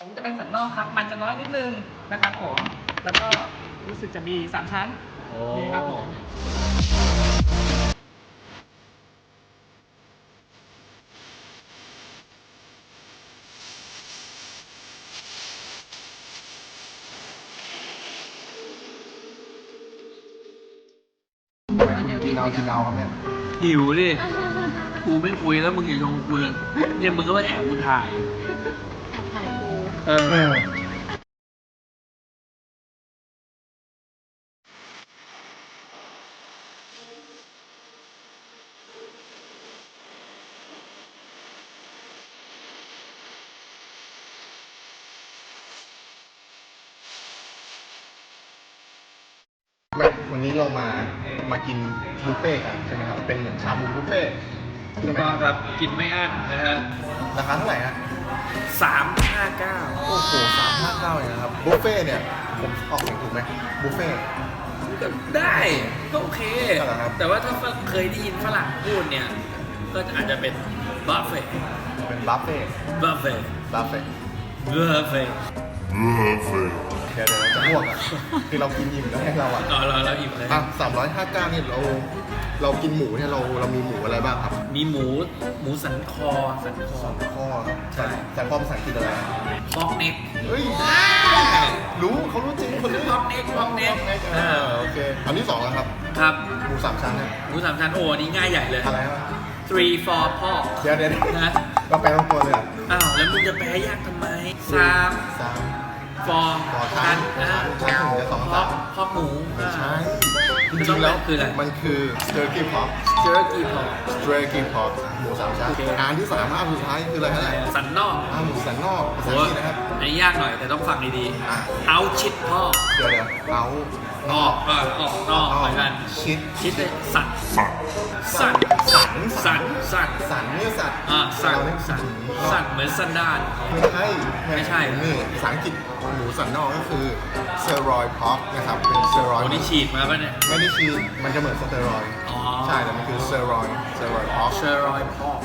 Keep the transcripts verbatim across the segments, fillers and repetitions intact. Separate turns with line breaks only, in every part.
ผมจะเป็นสันนอกครับมันจะน้อยนิดนึงนะครับผมแล้วก็รู้สึกจะมีสามชั้นนี่ครับผม
กินเอากินเอาครับเนี่ย
หิวดิกูไม่คุยแล้วมึงอย่าชงกูเลยเนี่ยมึงก็มาแอบกูถ่าย
ถ่ายกู
เออ
เออไม่วันนี้เรามามากินบุฟเฟ่ต์กันใช่ไหมครับเป็นเหมือนชาบูบุฟเฟ่ต์
ถูกต้องครับกินไม่อั้นนะฮะ
ราคาเท่าไหร่ฮะ
สามห้าเก้า
โอ้โหสามห้าเก้าเลยนะครับบุฟเฟ่ต์เนี่ยผมออกเสียงถูกไหมบุฟเฟ่ต์
ก็ได้ก็โอเค
ก็เหรอครับ
แต่ว่าถ้าเคยได้ยินฝรั่งพูดเนี่ยก็อาจจะเป็นบัฟเฟ่
เป็นบัฟเฟ่ต์
บัฟเฟ่
บัฟเฟ่ต์
บัฟเฟ่
เดี๋ยวเดี๋ยวเราจะอ้วกอ่ะคือเรากินอิ่มแล้วให้เราอ่ะ
ต่อเราเราอิ่มเลย
อ่ะสามร้อยห้าเก้าเนี่ยเราเรากินหมูเนี่ยเราเรามีหมูอะไรบ้างครับ
มีหมูหมูสันคอสันคอ
ข้อ
ใช่
แต่ข้อภาษาอังกฤษอะไร
พอกเน็ก
เฮ้ยรู้เขารู้จริงคนนี้
พอกเน็กพอกเน็ก
เออโอเคอันที่สองแล้วครับ
ครับ
หมูสามชั้นนะ
หมูสามชั้นโอ้อันนี่ง่ายใหญ่เลย
อะไรวะ
three for pork
เดี๋ยวเดี๋ยวเดี๋ยว
นะ
เราแปลทั้งตัวเลยเหรอ
อ้าวแล้วมึงจะแปลยากทำไมสาม
สาม
for
ต่อชั้น
อ่า
ชั้นถึงจะสอง
พอ
สาก ม
พอกหมู
ไม่ใช่จ
คือ
ริงๆแล้ว
คืออะไร
มันคือ turkey pork
jerky pork
turkey pork หมูสามชั้น
โอเค
อันที่สามอันสุดท้ายคืออะไรฮะ
สันนอก
อ่าหมูสันนอกภาษา
โอ้
อังกฤษนะครับ
อันนี้ยากหน่อยแต่ต้องฟังดี
อ่ะ
ๆ out chit pork
เดี๋ยวเดี๋ยวเอา
นอกเออออกนอกเหมือนกัน
ชิด
ชิดเลยสันสัน
สัน
สันสัน
สันเนี่ยสัตว์
อ่าสัน
เราเนี่ย
สันสันเหมือนสันดาน
ไม่ใช่
ไม่ใช่
นี่ภาษาอังกฤษหมูสันนอกก็คือเซอรอยพอกนะครับเป็นเซอรอย
โอ้นี่ฉีดมาป่ะเนี่ย
ไม่ได้ชีมันจะเหมือนสเตียรอยด์
อ๋อ
ใช่แต่มันคือเซอรอยเซอรอยพอก
เชอรอยพอก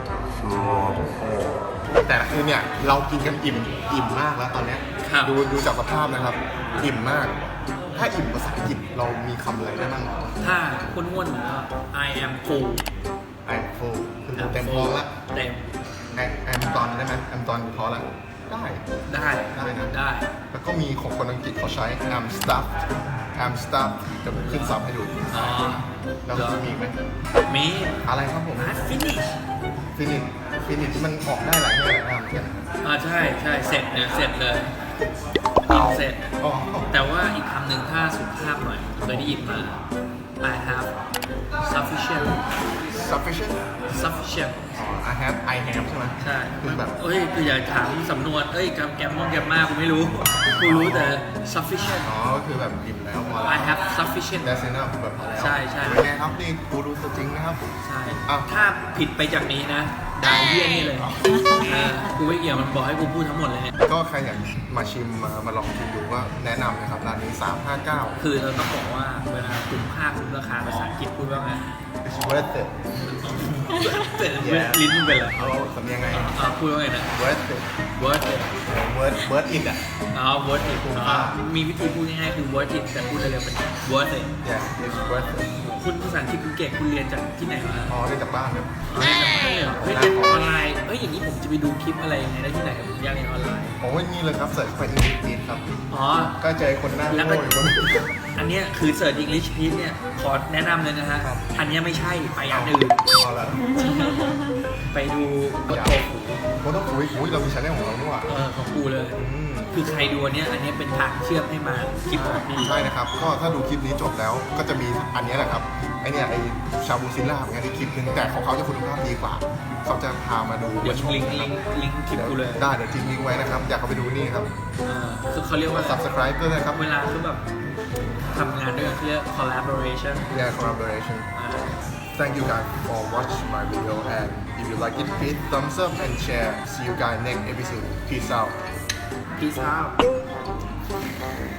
แต่คือเนี่ยเรากินกันอิ่มอิ่มมากแล้วตอนเนี้ย
ครับ
ดูดูจากสภาพนะครับ อิ่มมาก ถ้าอิ่มภาษาอังกฤษเรามีคำอะไรได้บ้าง
ถ้าคุณอ้วนๆผมก็ I am full
ไอโฟคือเต็มท้องละ
เต็ม
ไอแอมตอนได้ไหมแอมตอนท้องละได้
ได้
ได้นะ
ได้
แล้วก็มีของคนอังกฤษเขาใช้ am stuffed am stuffed จะขึ้นซับให้ดู
อ๋อ
แล้วจะมีอีกไหม
มี
อะไรครับผม
อาร์ตฟินิช
ฟินิชฟินิชมันออกได้หลายแง่หลายงานเหมือนกัน
อ่าใช่ใช่เสร็จเนี่ยเสร็จเลยกินเสร็จ
อ๋อ
แต่ว่าอีกคำหนึ่งถ้าสุภาพหน่อยเคยได้ยินมา I have sufficient
sufficient
sufficient
อ๋อ I have I have ใช่ไหม
ใช่
คือแบบ
เอ้ยคืออย่าถามสำนวน เอ้ยแกมแกมมองแกมมากูไม่รู้ กูรู้แต่ sufficient
อ๋อก็คือแบบอิ่มแล้วพอแล้ว
I have sufficient
that's enough แบบพอแล้ว
ใช่ใช่
เป็นไงครับนี่กูรู้ตัวจริงนะครับ
ใช่
อ้าว
ถ้าผิดไปจากนี้นะด่าเยี่ยนี่เลยเออกูไม่เกี่ยวมันบอกให้กูพูดทั้งหมดเลยเนี่ย
ก็ใครอยากมาชิมมามาลองชิมดูก็แนะนำนะครับร้านนี้สามห้าเก้า
คือเราต้องบอกว่าเวลาคุ้มค่าคุ้มราคาภาษาอังกฤษพูดว่าไง
it's worth it
แต่ลิ้นมันเป็นอะไร
เอาสำเนียงไง
อ่าพูดว่าไงนะ
worth it
worth it
worth worth it อ่ะ
อ๋อ worth it
คุ้ม
อ๋
ค่า
อมีวิธีพูดง่ายๆคือ worth it แต่พูดเร็วๆเป็น worth it
yeah it's worth it
คุณภาษาอังกฤษคุณเก่งคุณเรียนจากที่ไหนมา
อ๋อได้จากบ้านครับ
อ๋อเรียนจากบ้านเลยเหรอเฮ้ยเรียนออนไลน์เฮ้ยอย่างนี้ผมจะไปดูคลิปอะไรยังไงได้ที่ไหนผมอยากเรียนออนไลน์
โอ้ยนี่เลยครับเสิร์ชไปอีกครับ
อ๋อ
ก็เจอคนหน้า
แล้ว
โง่
ก็
อยู่คนนึง
อันเนี้ยคือเสิร์ช English Please เนี่ยขอแนะนำเลยนะฮะ
ครับ
อันเนี้ยไม่ใช่ไปอันอื่น
เอาละ
ไปดูกด
อย่า
โตหู
โอ้ต้องคุยคุยเรามีชาแนลของเราด้วยว่ะ
เออของกูเลย
อืม
คือใครดูอันเนี้ยอันเนี้ยเป็นทางเชื่อมให้มาคลิปของพี่
ใช่นะครับ ก็ถ้าดูคลิปนี้จบแล้ว ก็จะมีอันนี้แหละครับ ไอเนี่ยไอชาบูซิลล่าเหมือนกันในคลิปนึงแต่ของเขาจะคุณภาพดีกว่า เขาจะพามาดู
เดี๋ยว
มาชม
ลิงก์ลิงก์ลิงก์คลิป
เดี๋ยว
กูเลย
ได้เดี๋ยวทิ้งลิงก์ไว้นะครับ อยากเข้าไปดูนี่ครับ
เออคือเขาเรียกว่า
subscribe ด้วยนะครับ
เวลาคือแบบทำงานด้วยกันเขาเรียก collaboration
yeah collaboration
อ่า
thank you guys for watching my video and if you like it please thumbs up and share see you guys next episode peace out
peace out